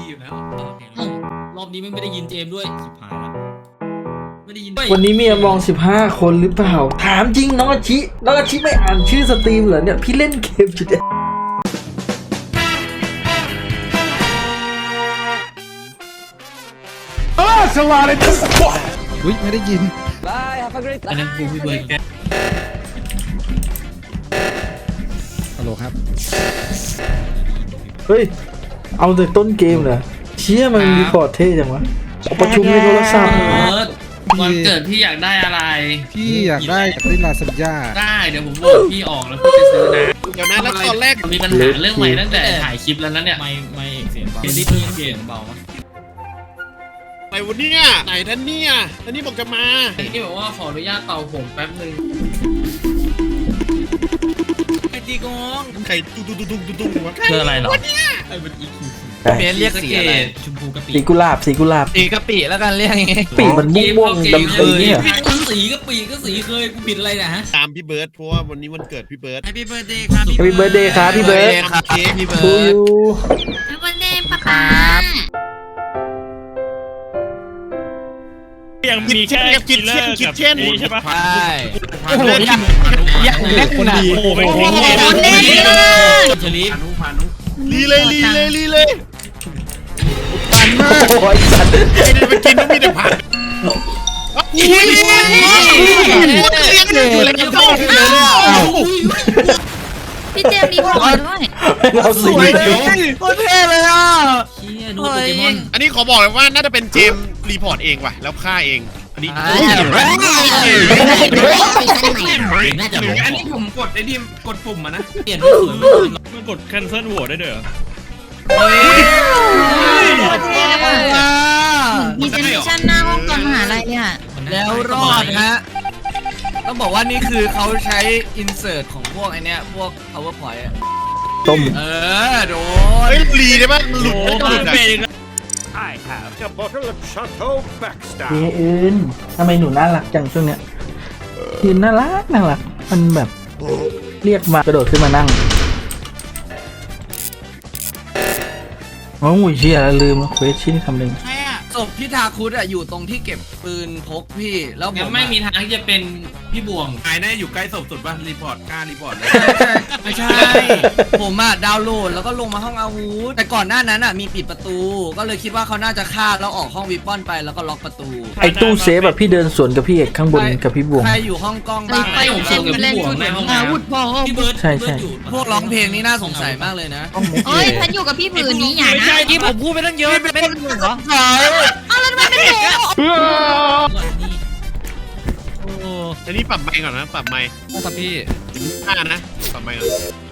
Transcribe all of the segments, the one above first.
อยู่แล้วรอบนี้ไม่ได้ยินเจมด้วยชิบหายแล้วไม่ได้ยินวันนี้มีมอง15 คนหรือเปล่าถามจริงน้องอาชิไม่อ่านชื่อสตรีมเหรอเนี่ยพี่เล่นเกมจุดเด่นสวัสดีอุ้ยไม่ได้ยินอันนั้นกูพี่เบิร์ดแกฮัลโหลครับเฮ้ยเอาแต่ต้นเกมเหรอเชี่ยมันรีพอร์ตเท่จังวะประชุมในโทรศัพท์เบิร์ดวันเกิดพี่อยากได้อะไรพี่อยากได้ลาซานญ่าได้เดี๋ยวผมบอกพี่ออกแล้วพี่ไปซื้อนะเดี๋ยวนะแล้วตอนแรกมีปัญหาเรื่องใหม่ตั้งแต่ถ่ายคลิปแล้วนะเนี่ยไม่เสียงเบาเสียงเบาไหนวันนี้ไหนท่านเนี่ยท่านนี่บอกจะมาที่บอกว่าขออนุญาตเป่าผมแป๊บนึงไอตีกองไข่ตุ้งวะคืออะไรหรอไอ้มันอีคิวเบนเรียกสีอะไรชมพูกะปิสีกุหลาบสีกะปิแล้วกันเรียกอย่างงี้ปีมันม่วงๆดำเคยเนี่ยสีกะปิก็สีเคยกูผิดอะไรนะฮะตามพี่เบิร์ดเพราะว่าวันนี้วันเกิดพี่เบิร์ด Happy birthday ครับ Happy birthday ครับพี่เบิร์ดครับพี่เบิทูร์ดยูวันเดย์ป้าป๊ายังมีแค่คิดเช่นใช่ปะใช่โอ้โหอย่างแรกนะโอ้โหเป็นโอ้เทคโหนิคเล่นเลยชลิปลีเลยปันมากโอ้ยสัตว์ไอ้นี่ไปกินต้องมีแต่ผักอุ้ยเลี้ยงอยู่แล้วก็พี่เจมส์รีพอร์ตด้วยเราสีโคตรเท่เลยอ่ะเชี่ยดูโปเกมอนอันนี้ขอบอกเลยว่าน่าจะเป็นเจมรีพอร์ตเองว่ะแล้วฆ่าเองอันนี้น่าจะรู้อันนี้ผมกดไอ้ที่กดปุ่มมานะเปลี่ยนไม่สวยมันกด cancel โหวตได้ด้วยเหรอมีเจเนอเรชั่นหน้าห้องก่อนมหาลัยเนี่ยแล้วรอดฮะต้องบอกว่านี่คือเขาใช้ insert ของพวกไอเนี้ยพวก powerpoint อะต้มโดเฮ้นยรีได้ปะหลุดโอ้ไม่หลุดมันอะเป็น I have a bottle of Chateau Backstab. เย้อื่นทำไมหนูน่ารักจังช่วงเนี้ยยืนน่ารักมันแบบเรียกมากระโดดขึ้นมานั่งโอ้ยเชี่ยลืมแล้วเควสชิ้นทำหนึ่งใช่อ่ะศพพี่ทาคุดอะอยู่ตรงที่เก็บปืนพกพี่แล้วผงั้นมไม่มีทางที่จะเป็นพี่บวงหายแน่อยู่ใกล้ศพสุดป่ะรีพอร์ตกล้ารีพอร์ตเลยไม่ใช่ ผมอะดาวน์โหลดแล้วก็ลงมาห้องอาวุธแต่ก่อนหน้านั้นอะมีปิดประตู ก็เลยคิดว่าเขาน่าจะฆ่าแล้วออกห้องวิปปอนไปแล้วก็ล็อกประตูไอ้ตู้เซฟแบบพี่เดินสวนกับพี่เอกข้างบนกับพี่บวงใครอยู่ห้องกล้องไปบ้างไปเจมส์เล่นชุดอาวุธพอพี่เบิร์ดใช่พวกร้องเพลงนี่น่าสงสัยมากเลยนะเอ้ยฉันอยู่กับพี่ผืนนี้อย่าไม่นะใช่ที่ผมพูดไปตั้งเยอะไม่เป็นเหรอเอาแล้วทำไมเป็นหนูอันนี้ปรับไมค์ก่อนนะปรับไมค์ครับพี่ฆ่านะปรับไมค์ก่อน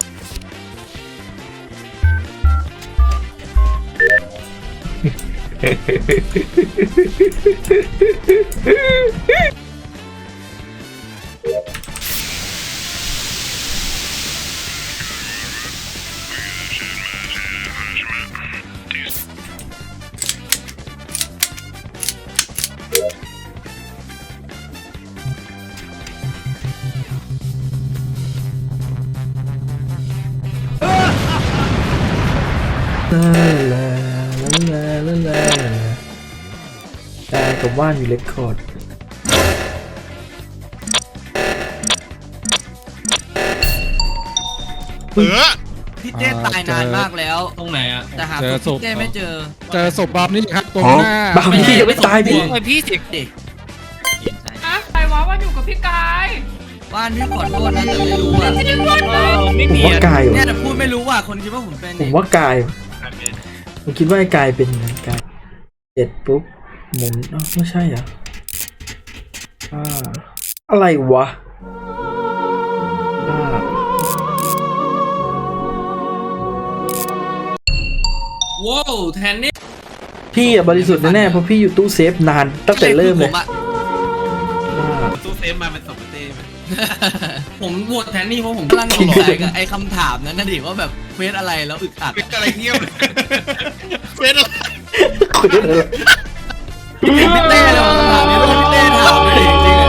แต่กับว่านอยู่เลคคอร์ดพี่เต้ตายนานมากแล้วตรงไหนอ่ะแต่หาศพพี่เต้ไม่เจอเจอศพบอมนี่ครับตรงหน้าบางทียังไม่ตายพี่พี่เด็กเด็กใครวะว่าอยู่กับพี่กายบ้านพี่ขอโทษนะแต่ไม่รู้อ่ะไม่ได้พูดเลยไม่ผมมีว่ากายเนี่ว่ะยแต่พูดไม่รู้ว่าคนคิดว่าผมเป็นผมว่ากายว่ะผมคิดว่าไอ้กายเป็นไงกายเสร็จปุ๊บหมุนอ้าวไม่ใช่เหรออะไรวะอ่าว้าวแทนนี่พี่อะบริสุทธิ์แน่ๆเพราะพี่อยู่ตู้เซฟนานตั้งแต่เริ่มเลยตู้เซฟมาเป็นศพเต้ไหมผมโหวตแทนนี่เพราะผมกำลังสงสัยกับไอ้คำถามนั้นนะดิว่าแบบเควสอะไรแล้วอึดอัดเป็นอะไรเงียบเลยเป็นอะไรคุยอะไรพี่เต้เลยคำถามนี้เป็นพี่เต้ถามเลยจริงๆอะ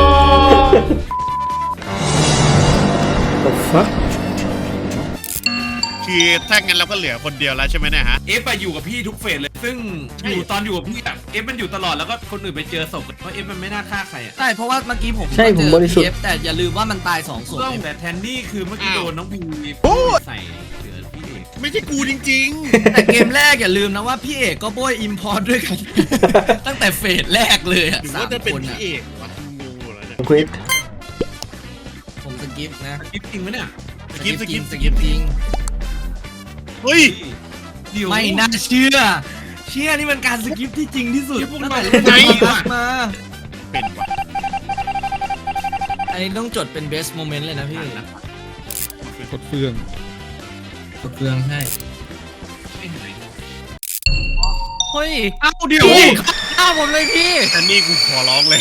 The fuck คือถ้างั้นเราก็เหลือคนเดียวแล้วใช่ไหมเนี่ยฮะเอฟไปอยู่กับพี่ทุกเฟสเลยซึ่งอยู่ตอนอยู่กับพี่อะเอฟมันอยู่ตลอดแล้วก็คนอื่นไปเจอศพเพราะเอฟมันไม่น่าฆ่าใครอะใช่เพราะว่าเมื่อกี้ผมใช่ผมบริสุทธิ์เจอ PF แต่อย่าลืมว่ามันตาย2 ศพแต่แทนนี่คือเมื่อกี้โดนน้องพีใส่เสือพี่เอกไม่ใช่กูจริงแต่เกมแรกอย่าลืมนะว่าพี่เอกก็โบยอิมพอร์ตด้วยกัน ตั้งแต่เฟสแรกเลยๆอะหรือว่าจะเป็น 3 คพี่เอกวะงงหมดแล้วเนี่ยควิดผมสกิปนะคลิปจริงไหมเนี่ยสกิปจริงเฮ้ยเดี๋ยวไม่น่าเชื่อ เชื่อนี่มันการสกิปที่จริงที่สุดเดี๋ยวพวกตั้งเราแต่เล่นไหนมาเป็นวะอันนี้ต้องจดเป็น best moment เลยนะพี่กดเฟืองกดเฟืองให้ไม่เห็นเลยเฮ้ยเอ้าเดี๋ยวพี่ฆ่าผมเลยพี่อันนี้กูขอร้องเลย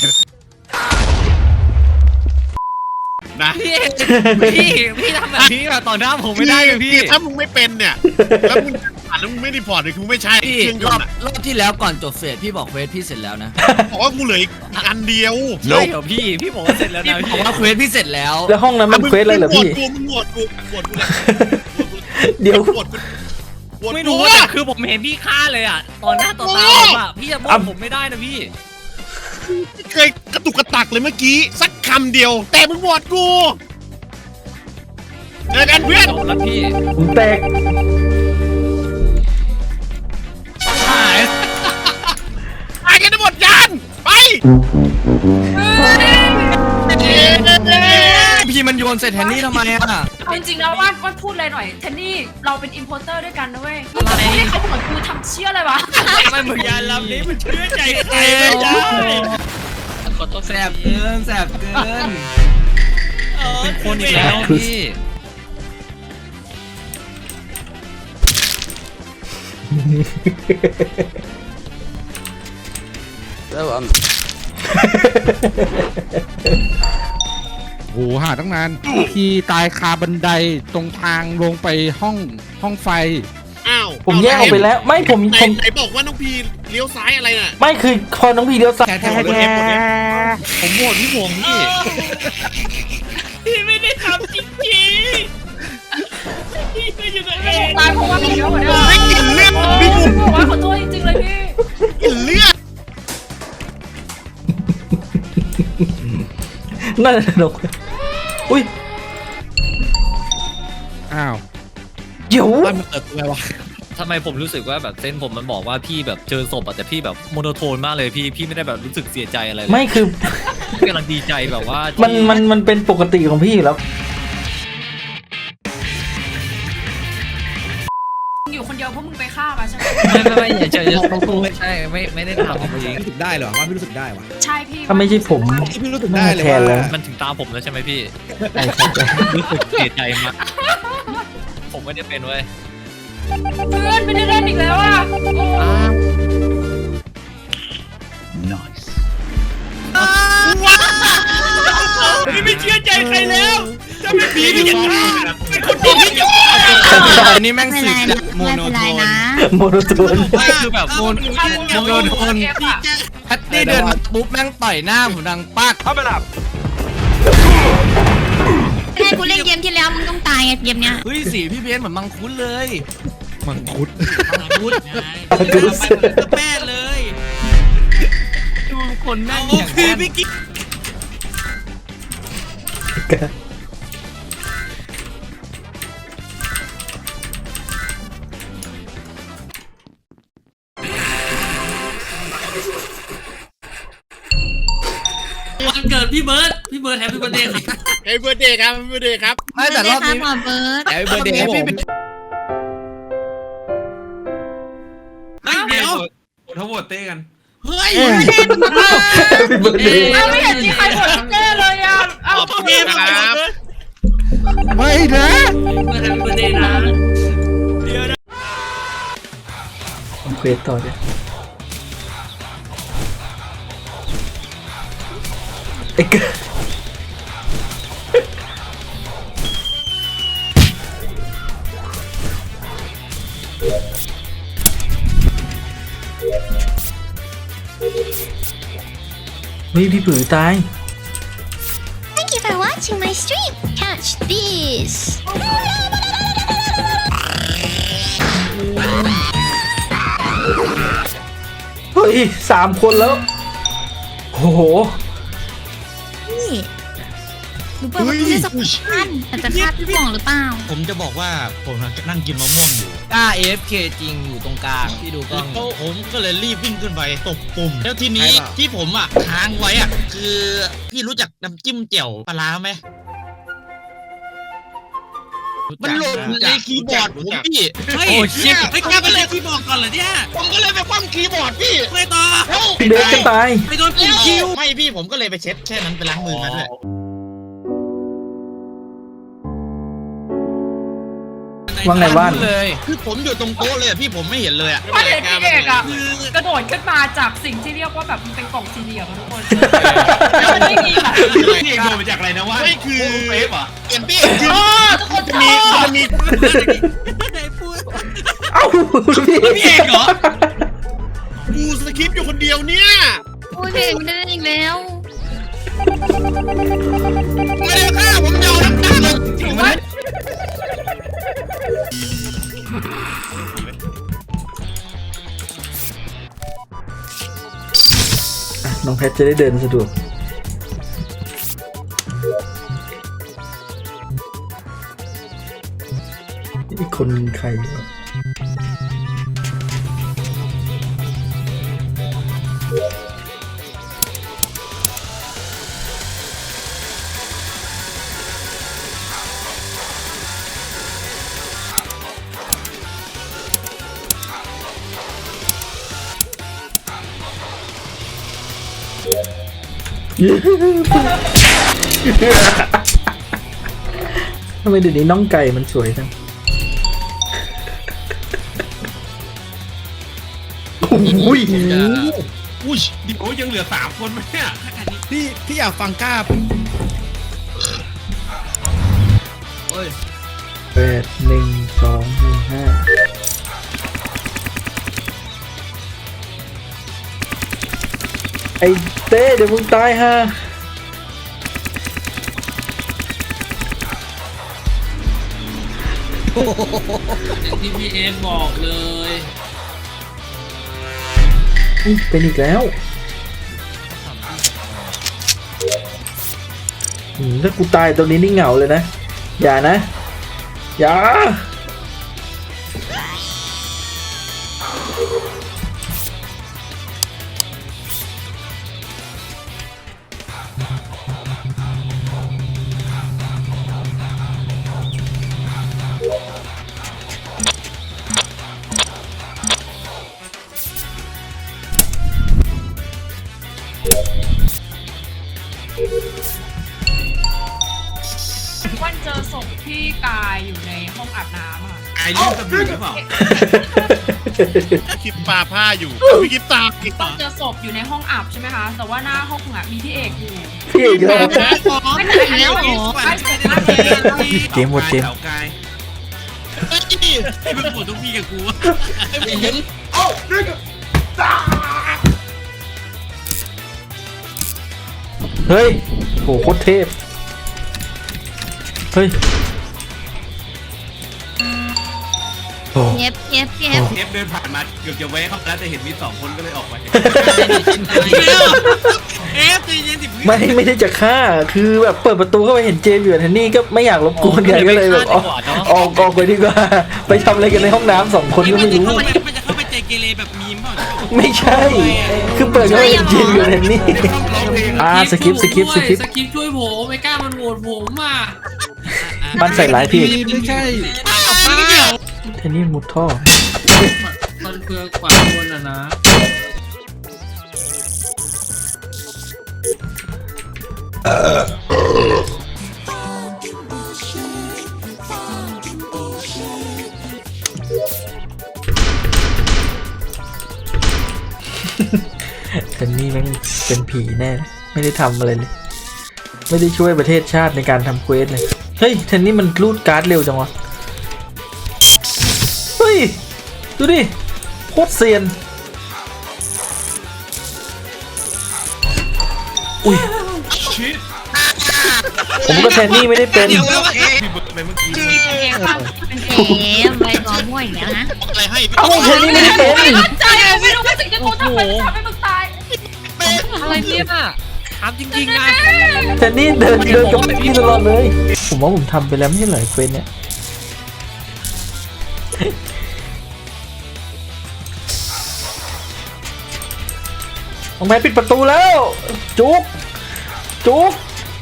นะพี่ทำแบบนี้แบบต่อหน้าผมไม่ได้เลยพี่คือถ้ามึงไม่เป็นเนี่ยแล้วมึงผ่านแล้วมึงไม่รีพอร์ตเลยกูไม่ใช่พี่เครื่องยรอน บต์อะรอบที่แล้วก่อนจบเฟสพี่บอกเควสพี่เสร็จแล้วนะบอกว่ากูเหลืออีกอันเดียวใช่เหรอพี่บอกว่าเสร็จแล้วนะพี่บอกว่าเควสพี่เสร็จแล้วแล้วห้องนั้นมันเควสอะไรเหรอพี่มึงโหวตกูเลยเดี๋ยวโหวตกูไม่รู้แต่คือผมเห็นพี่ฆ่าเลยอ่ะตอนหน้าต่อตาผมอ่ะพี่จะบอกผมไม่ได้นะพี่เคยกระตุกกระตักเลยเมื่อกี้สักคำเดียว แต่มึงโหวตกูเจอกันเพื่อนจบแล้วพี่ผมแตกหายตายกันทั้งหมดยานไปพี่มันโยนใส่แทนนี่ทำไมอ่ะเอาจริงๆแล้วว่าพูดเลยหน่อยเทนนี่เราเป็นอิมโพเตอร์ด้วยกันนะเว้ยมึงจะพูดให้เขาเหมือนกูทำเชี่ยอะไรวะไม่เหมือนยานลำนี้มันเชื่อใจใครไม่ได้ขอโทษแสบเกินแสบเกินเป็นคนอีกแล้วพี่โหหาตั้งนานพี่ตายคาบันไดตรงทางลงไปห้องไฟอ้าวผมแยกออกไปแล้ว ไม่ผมไหนบอกว่าน้องพีเลี้ยวซ้ายอะไรน่ะไม่คือพอน้องพีเลี้ยวซ้ายแค่หมดเอฟหมดเอฟผมโหวตพี่ผงพี่ พี่ไม่ได้ทำจริงๆพี่ไม่อยู่ในเองตายเพราะว่าพี่เยอะกว่านี้ไม่กินเลือดพี่บุ๋มบอกว่าขอโทษจริงๆเลยพี่กินเลือดนั่นแหละนกอุ้ยอ้าวเดี๋ยวมันเกิดอะไรวะทำไมผมรู้สึกว่าแบบเส้นผมมันบอกว่าพี่แบบเจอศพอะแต่พี่แบบโมโนโทนมากเลยพี่ไม่ได้แบบรู้สึกเสียใจอะไรเลยไม่คือพี่กำลังดีใจแบบว่ามัมันมันเป็นปกติของพี่อยู่แล้วอยู่คนเดียวเพราะมึงไปฆ่ามาใช่ไหมไม่อย่าเจอไม่ใช่ไม่ได้ทำจริงรู้สึกได้เหรอว่าไม่รู้สึกได้วะใช่พี่ถ้าไม่ใช่ผมที่พี่รู้สึกได้เลยแทนแล้วว่ามันถึงตามผมแล้วใช่ไหมพี่ใช่ใช่ใช่รู้สึกเสียใจมากผมไม่ได้เป็นเว้ยเพื่อนไม่ได้เล่นอีกแล้วอ่ะโอ้พี่ไม่เชื่อใจใครแล้วจะไม่ผีพี่พี่จะจะฆ่าฆ่าเป็นคนดีพี่จะฆ่าอันนี้แม่งสืบจากโมโนโทนโมโนโทนไม่คือแบบโมโนโทนเอฟอะแพตตี้เดินมาปุ๊บแม่งต่อยหน้าผมดังปักให้กูเล่นเกมที่แล้วมึงต้องตายไงเกมเนี้ยเฮ้ยสีพี่เบนเหมือนมังคุดเลยมังคุดคุดไงกูรู้สึกแป้เลยดูคนนั่งโอ้อย่างพี่นั้นพี่กิ๊กวันเกิดพี่เบิร์ดแฮปปี้เบิร์ดเดย์ครับเฮ้ยเบอร์เดย์ครับเบอร์เดย์ครับไม่แต่รอบนี้หมอเบิร์ดแฮปปี้เบิร์ดเดย์ผมเดี๋ยวเขาโหวตเต้กันเฮ้ยเป็นเบอร์เดย์อ้าวไม่เห็นมีใครกดเจ้เลยอ่ะขอบคุณครับไม่นะเบิร์ดแฮปปี้เบิร์ดเดย์นะผมเควสต่อด้วยไอ้เก เฮ้ยพี่ผือตาย Thank you for watching my stream catch this ย3 คนแล้ว โอ้โหนี่หนูเปิดประตูได้สักพันแต่จะฆ่าพี่หว่องหรือเปล่าผมจะบอกว่าผมนั่งกินมะม่วงอยู่กล้า AFK จริงอยู่ตรงกลางพี่ดูกล้องแล้วผมก็เลยรีบวิ่งขึ้นไปตบปุ่ม แล้วทีนี้ที่ผมค้างไว้คือพี่รู้จักน้ำจิ้มแจ่วปลาร้าไหมมันหล่นในคีย์บอร์ดผมพี่เฮ้ยไม่กล้าไปเลยคีย์บอร์ดก่อนเหรอเนี่ยผมก็เลยไปคว่ำคีย์บอร์ดพี่ไม่ต่อพี่เบสจะตายไปโดนปุ่มคิวไม่พี่ผมก็เลยไปเช็ดแค่นั้นไปล้างมือมาด้วยว่าไงบ้านเลยคือผมอยู่ตรงโต๊ะเลยพี่ผมไม่เห็นเลยประเด็นพี่เอกกระโดดขึ้นมาจากสิ่งที่เรียกว่าแบบมันเป็นกล่องสี่เหลี่ยมทุกคนแล้วมันไม่มีแบบพี่เอกโดนมาจากอะไรนะวะไม่คือเฟฟเหรอเปลี่ยนพี่ทุกคนมันมีเอ้าพี่พี่เอกเหรอกูสคริปต์อยู่คนเดียวเนี่ยโอ้ยเด็กไม่ได้อีกแล้วไม่ได้ฆ่าผมยอมรับถือว่าน้องแพทจะได้เดินสะดวกอีกคนใครวะทำไมเดี๋ยวนี้น้องไก่มันสวยจังโอ้ยอุ้ยดิโอ้ยังเหลือ3 คนไหมเนี่ยพี่อยากฟังกล้าไอ้เต้เดี๋ยวมึงตายฮะที่พี่เอบอกเลยเป็นอีกแล้วถ้ากูตายตรงนี้นี่เหงาเลยนะ อย่านะ อย่าวันเจอศพพี่กายอยู่ในห้องอาบน้ำอ่ะไอ้ยื่นสบู่หรือเปล่าคลิปปลาผ้าอยู่พี่คลิปตาวันเจอศพอยู่ในห้องอาบใช่ไหมคะ แต่ว่าหน้าห้องอ่ะมีพี่เอกอยู่พี่อีกแล้วไม่ใช่แล้วเหรอไม่ใช่แล้วเกมหมดเกมเต่ากายพี่เป็นปวดทุกพี่กับกูเฮ้ยโหโคตรเทพ เฮ้ยโอ้เย็บเอฟเดินผ่านมาเกือบจะแวะเข้าแล้วแต่เห็นมี2 คนก็เลยออกไปเอฟใจเย็นสิไม่ได้จะฆ่า คือแบบเปิดประตูเข้าไปเห็นเจมอยู่แทนนี่ก็ไม่อยากรบกวนกันก็เลยแบบออกไปดีกว่า ไปทำอะไรกันในห้องน้ำ2 คนก็ไม่รู้มันจะเข้าไปเจเกเรแบบมีมเปล่าไม่ใช่ คือเปิดเข้าไปเห็นเจมอยู่แทนนี่สกิปสกิปช่วยผมไม่กล้ามันโหวตผมอ่ะมันใส่ร้ายพี่ไม่ใช่แทนนี่มุดท่อมันเพื่อกว่าคนอ่ะนะแทนนี่แม่งเป็นผีแน่เลยไม่ได้ทำอะไรเลย ไม่ได้ช่วยประเทศชาติในการทำเควสเลย เฮ้ยแทนนี่มันรูดการ์ดเร็วจังวะ เฮ้ย ดูดิ โคตรเซียน อุ้ย ผมก็แทนนี่ไม่ได้เป็นพี่เบิร์ดไปเมื่อกี้ใบกอม่วยอย่างเงี้ยนะอะไรให้เอ้าแทนนี่ไม่ได้เป็นมั่นใจไม่รู้ว่าสิ่งที่เขาทำไมถึงทำให้มึงตายอะไรเนี่ยถามจริงๆนะแทนนี่เดินกับพี่ตลอดเลย ผมว่าผมทำไปแล้วไม่ใช่เหรอเควสเนี่ยน้องแมนปิดประตูแล้ว จุกจุก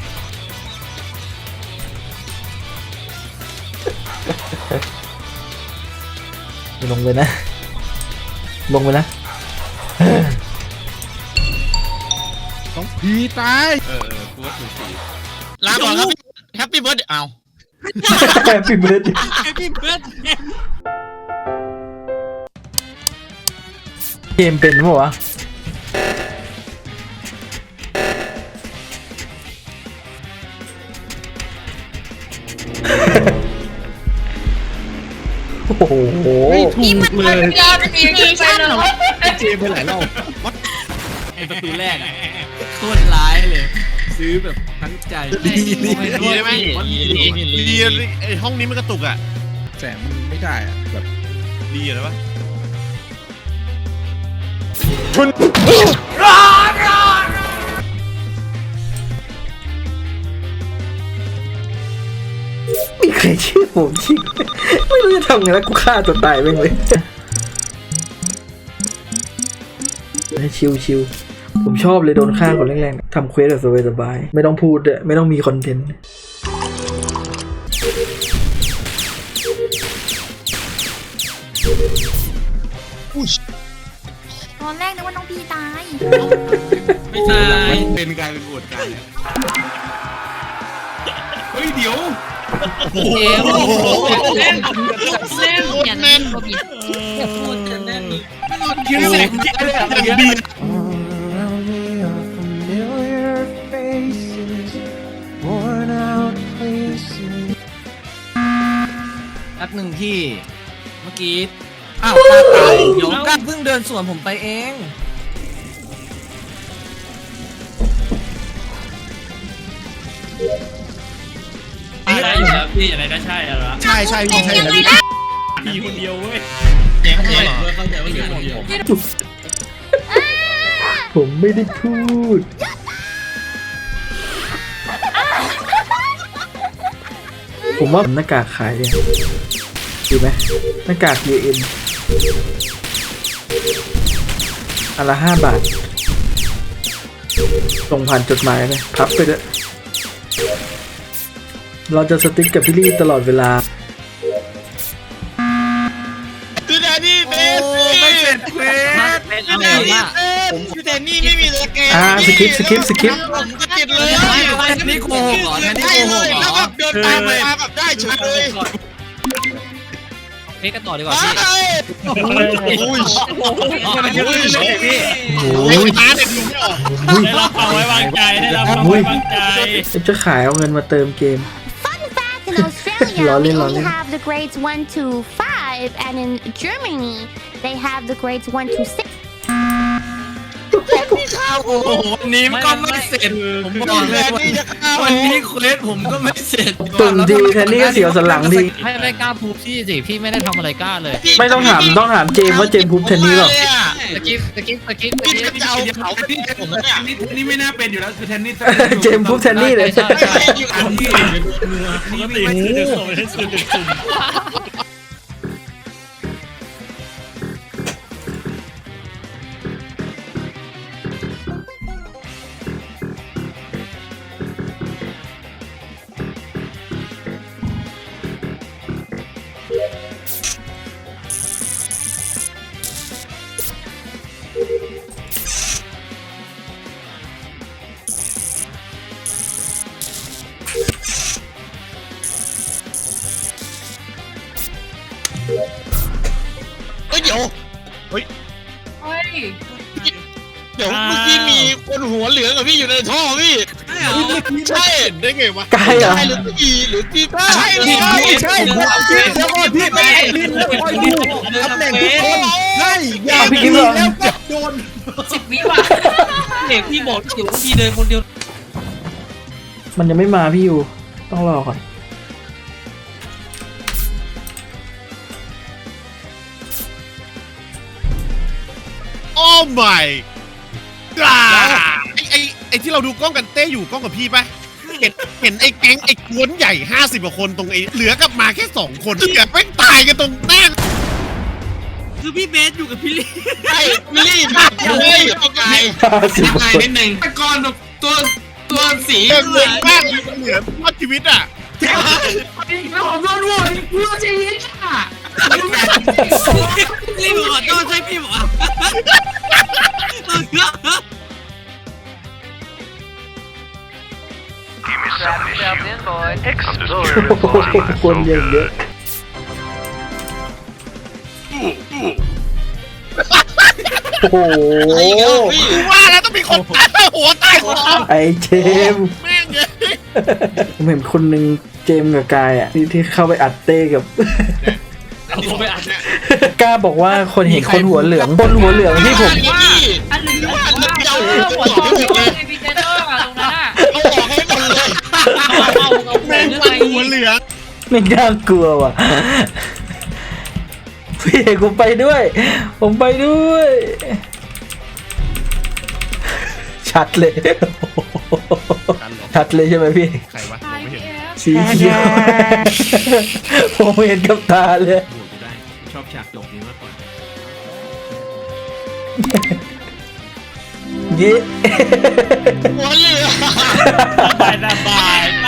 ลงไปนะ ลงไปนะต้องผีตายกูว่าถูกสีลาก่อนครับแฮปปี้เบิร์ดเอาพี่เบิร์ดพี่เบิร์ดเกมเป็นปะวะโอ้โหไม่ถูกเลยยาเป็นอีกทีใช่เหรอเจมไปหลายรอบไอประตูแรกอะโคตรร้ายเลย ซื้อแบบทั้งใจดีได้ไหมดีไอห้องนี้มันกระตุกอ่ะแสงมันไม่ได้อะแบบดีอะไรวะไม่เคยเชื่อผมจริงไม่รู้จะทำไงแล้วกูฆ่าตัวตายไปเลยชิวๆผมชอบเลยโดนฆ่าคนแรกๆทำเควสแบบสบายๆไม่ต้องพูดด้วยไม่ต้องมีคอนเทนต์ตอนแรกนึกว่าน้องพีตายไม่ใช่เป็นกลายเป็นโหวตกันเนี่ยเฮ้ยเดี๋ยวเกมเล่นอย่าเล่นโควิดพูดกันแน่นคิวเสกดีแป๊บหนึ่งพี่ เมื่อกี้อ้าวกล้าตายเดี๋ยวกล้าเพิ่งเดินสวนผมไปเองใช่อยู่แล้วพี่อะไรก็ใช่แล้วใช่ใช่ใช่แล้วมีคนเดียวเว้ยแกงเหรอเข้าใจว่าเหลือคนเดียวผมไม่ได้พูดผมว่าหน้ากากขายเลยดีไหมหน้ากาก UN อันละ5 บาทส่งผ่านจดหมายเลยพับไปด้วยเราจะสติ๊กกับพี่ลี่ตลอดเวลาคือแดนนี่เบสไม่เสร็จเควสเป็นคืออะแดไรนนี่วะเบสคือแดนนี่ไม่มีสแกนสคริปต์ผมก็ติดเลยแทนนี่โกหกเหรอแทนนี่ได้โกหเลกยเหรแล้วอแบบเดินตามไปแบบได้เฉยเลยเฮ้ยกันต่อดีกว่าว้าพี่ยอุ้ยมันเยอะเลยพี่โอ้ไอ้ยม้าเนี่ยดูไม่ออกได้รับความไว้วางใจได้รับความไว้วางใจจะขายเอาเงินมาเติมเกม Fun fact, in Australia, we Lolly, only lolly. have the grades 1 to 5, and in Germany, they have the grades 1 to 6. โอ้โหวันนี้ก็ไม่เสร็จผมบอกเลยวันนี้เควสผมก็ไม่เสร็จตุ่มดีแทนนี่ก็เสียวสันหลังดีไม่กล้าพูดพี่สิพี่ไม่ได้ทำอะไรกล้าเลยไม่ต้องถามเจมส์ว่าเจมส์พูดแทนนี่หรอตะกี้พี่จะเอาเขาพี่ผมเนี่ยนี่ไม่น่าเป็นอยู่แล้วคือแทนนี่เจมส์พูดแทนนี่เลยใช่อยู่กับพี่ปกติคือเด็กส่งให้สื่อเด็กสุ่มเดี๋ยวเฮ้ยเดี๋ยวเมื่อกี้มีคนหัวเหลืองกับพี่อยู่ในท่อพี่ใช่ได้ไงวะไกลเหรอใช่หรือพี่หรือพี่ใช่เลยใช่ผมคิดแล้วก็พี่ไปลิ้นแล้วคอยดูตำแหน่งทุกคนใช่อย่าพี่กิ๊ฟเหรอแล้วก็โดน 10 วิว่ะเด็กพี่บอกอยู่พี่เดินคนเดียวมันยังไม่มาพี่อยู่ ต้องรอก่อนโอ้ my ไอ้ที่เราดูกล้องกันเต้อยู่กล้องกับพี่ปะเห็นไอ้แก๊งไอ้กวนใหญ่50กว่าคนตรงไอ้เหลือกลับมาแค่2คนเหลือแม่งตายกันตรงหน้าคือพี่เบสอยู่กับพี่ลี่ไอ้พี่ลี่มาเลย 50 ไงคนนิดนึงแต่ก่อนแบบตัวสีเหลือมากเหลือรอดชีวิตอ่ะแล้วผมโดนโหวตกูจะชีวิตอ่ะรีบขอโทษใช่พี่บอกว่าคนอย่างเยอะ โอ้โหกูว่าแล้วต้องมีคนตายหัวตายหัวไอเจมส์แม่งเลยผมเห็นคนหนึ่งเจมส์กับกายอ่ะที่เข้าไปอัดเต้กับผมไปอ่านเนี่ยกล้าบอกว่าคนเห็นคนหัวเหลืองคนหัวเหลืองที่ผมอันหนึ่งว่าหัวทองเลยพีเจเตอร์อะตรงนั้นอะเอาออกให้หมดเลยแม่งตายหัวเหลืองไม่กล้ากลัวว่ะ พี่เอกผมไปด้วย ผมไปด้วย ชัดเลย ชัดเลยใช่ไหมพี่ใครวะตายพีเอฟสีเขียว ผมเห็นกับตาเลยโหวตกูได้ชอบฉากจบนี้มากกว่าเย้หัวเหลืองสบาย